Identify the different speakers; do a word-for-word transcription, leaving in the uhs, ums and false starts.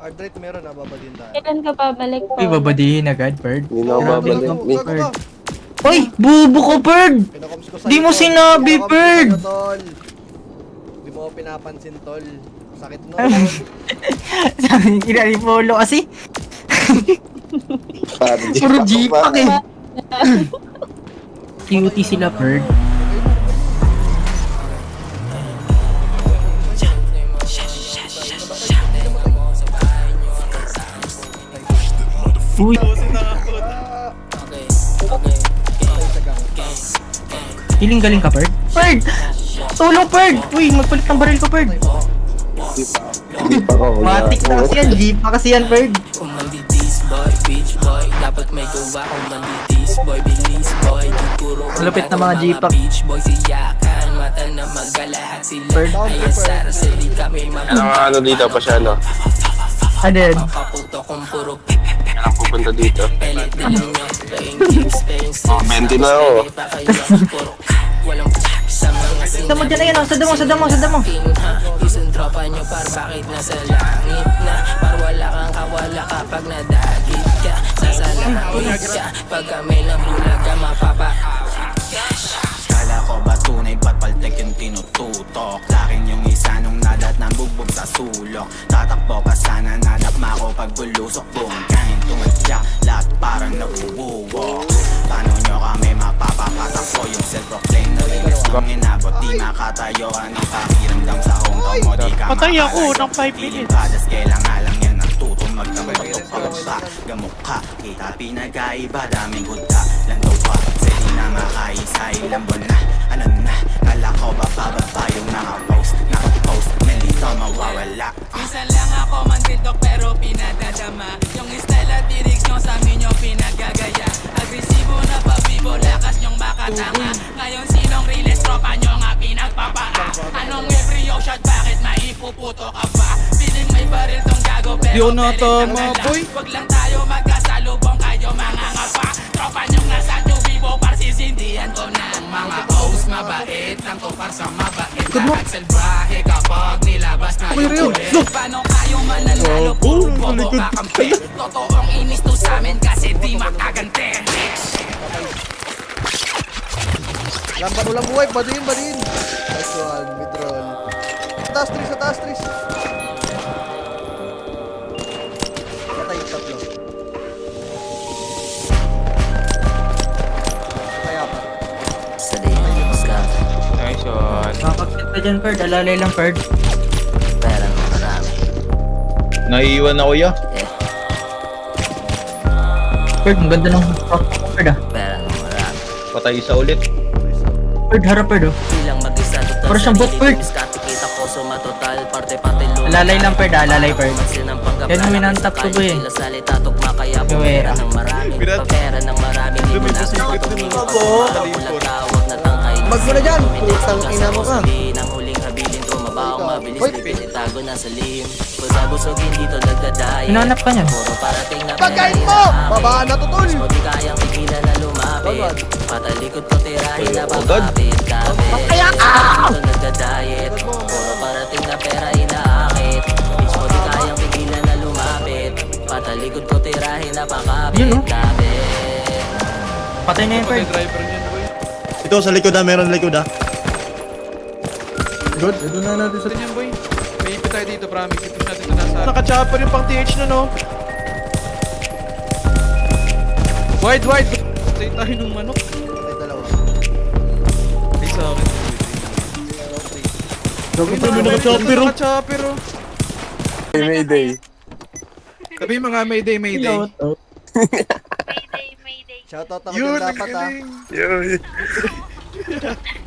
Speaker 1: Hard rate meron ah, babadin tayo.
Speaker 2: Kailan ka babalik po?
Speaker 3: Uy, babadihin agad, Bird.
Speaker 4: Hindi na ako
Speaker 3: Grabe
Speaker 4: babalik.
Speaker 3: ka,
Speaker 4: May-
Speaker 3: Bird. Uy, bubo ko, Bird!
Speaker 1: Pinakoms ko sa'yo,
Speaker 3: Di mo
Speaker 1: tol.
Speaker 3: sinabi,
Speaker 1: Pinakoms ko
Speaker 3: Bird!
Speaker 1: sa'yo, tol. Di mo ako pinapansin, tol. Sakit no.
Speaker 3: Sabi, inalipolo kasi.
Speaker 4: Parang di
Speaker 3: Puro
Speaker 4: ako
Speaker 3: G-Pack
Speaker 4: pa-
Speaker 3: eh. Cutie sila, Bird. Uy, feeling galing ka, Bird? Bird! Tulong, Bird! Uy, magpalit ng baril ko, Bird!
Speaker 4: Hindi pa ako.
Speaker 3: Matik na kasi yan, Jeep pa kasi yan, Bird.
Speaker 5: Kung manditis boy, beach boy, dapat may gawa. Kung manditis boy, bilis boy, di puro
Speaker 3: Malupit na mga G-Pack.
Speaker 5: beach boy, siyakan, mata na magalahat sila.
Speaker 3: Bird.
Speaker 5: Ay asara sa di kami
Speaker 4: Ano nga ano dito pa siya, no?
Speaker 3: Ano yun?
Speaker 5: mapapaputo kung puro
Speaker 4: Kailangan pupunta dito.
Speaker 5: pelit din nyo. Playing games, playing
Speaker 4: Oh, twenty na ako.
Speaker 5: pa kayo puro walang sa mga
Speaker 3: Sa mo dyan na yun, oh. Sa damo, sa damo, sa damo.
Speaker 5: Isang tropa nyo par bakit nasa langit na. Par wala kang kawala kapag nadagit ka. Sasalangit ka pag kami ng bulaga mapapaawit ka.
Speaker 6: Kala ko ba tunay ba't paltek yung tinututok? Lakin yung isa nung nadat ng bugbog sa sulok. Tatakbo ka sana nadapma ko pag bulusok. Buong kain tumadya, lahat parang nabubuwok. Paano nyo kami mapapapatakbo yung self-proclaim na rilis nung inabot? Di makatayo, anong pakiramdam sa hometown mo? Di ka
Speaker 7: Patay ako
Speaker 6: makalayo.
Speaker 7: ng five
Speaker 6: Piling
Speaker 7: minutes.
Speaker 6: padas, kailangan lang yan ang tutong magkapatok pagba. Gamok ka, kita pinagkaiba, daming gudta. Landaw pa, sili na makaisa, ilang buwan na. Ano na, kala ko ba pababa yung nakapost? Nakapost, nalito mawawala.
Speaker 5: Minsan lang ako mandildok pero pinadadama. Yung style at lyrics nyo sa amin nyo pinagagaya. Agresibo na pabibo, lakas nyong makatanga. Ngayon sinong release, tropa nyo nga pinagpapaa. Anong every yo shot, bakit maipuputo ka pa? Piling may baril tong gago pero
Speaker 7: Di ako
Speaker 5: pelit
Speaker 7: natama,
Speaker 5: ang ganda.
Speaker 7: boy.
Speaker 5: Wag lang tayo magkasalubong, kayo mga ngapa. Tropa nyo nga sa tubibo, parsisindihan ko na. Ang mga O's mabait, ang tupar sa mabait. Lahat salbahe kapag nilabas na yung kulit. Paano kayo mananalo, puro bobo kakampi. Totoong inis to sa amin kasi di makagante.
Speaker 1: Lampan ulang buhay, badin, badin. Nice one, mid roll. Sa taas, Tris, sa taas, Tris. Patay yung tatlo. Kaya pa.
Speaker 5: Sa day na yung ska,
Speaker 4: Nice one.
Speaker 3: Makakakit ka dyan, Bird. Alalay lang, Bird.
Speaker 5: pera ng marami.
Speaker 4: Naiiwan ako ya.
Speaker 3: Bird, ang ganda ng Bird, ah.
Speaker 5: Pera ng marami.
Speaker 4: Patay isa ulit.
Speaker 3: Bird, harap, Bird, oh.
Speaker 5: Bilang mag-isa total
Speaker 3: Para siyang bot, Bird.
Speaker 5: Diskarte kita ko sumatotal parte-parte lupa.
Speaker 3: Alalay lang, Bird, ah. Alalay, Bird.
Speaker 5: Pansin ang panggap
Speaker 3: Yan,
Speaker 5: na
Speaker 3: winantap ko, boy, eh.
Speaker 5: Sila salita tugma kaya
Speaker 3: Yung
Speaker 5: pumera
Speaker 3: era.
Speaker 5: ng marami. Pagpera ng marami Di mo natin patumingin Pagpulat tawag na tangkay
Speaker 1: Mag mo na dyan, putang ina mo ka.
Speaker 5: Ang huling habilin Tumabaong mabilis Pipili tago na sa lihim Busabusogin dito nagdadaya
Speaker 3: Hinanap ka niyan.
Speaker 5: Puro parating na
Speaker 1: Pagkain mo! Babaan na to, tol!
Speaker 5: Mo di kayang tigilan na lumapit
Speaker 1: Bawal.
Speaker 5: Patalikod ko tirahin na
Speaker 4: Agad.
Speaker 5: papapit Kapit
Speaker 1: Kaya ka!
Speaker 5: Dito nagdadayet Puro parating na pera inaakit Bitch mo di kayang tigilan na lumapit Patalikod ko tirahin na pakapit
Speaker 3: Yun, oh.
Speaker 5: Kapit
Speaker 3: Patay na yun,
Speaker 7: Patay
Speaker 3: Bird.
Speaker 7: driver niyan, boy.
Speaker 8: Ito sa likod ah, meron likod ah.
Speaker 7: Good, ito na natin sa yan, boy. May ipit tayo dito, promise. Ipit natin na nasa... Naka-chopper yung pang T H na, no? Wide, wide! Patay tayo ng manok.
Speaker 1: Patay dalawa.
Speaker 7: Ay, sa akin.
Speaker 8: Gago pa yung naka-chopper oh.
Speaker 7: Naka-chopper, oh.
Speaker 4: Mayday.
Speaker 7: Sabi mga Mayday, Mayday.
Speaker 2: Mayday, mayday.
Speaker 1: Shoutout ako
Speaker 7: Yun,
Speaker 1: din dapat ah.
Speaker 7: nagaling.
Speaker 4: Yo.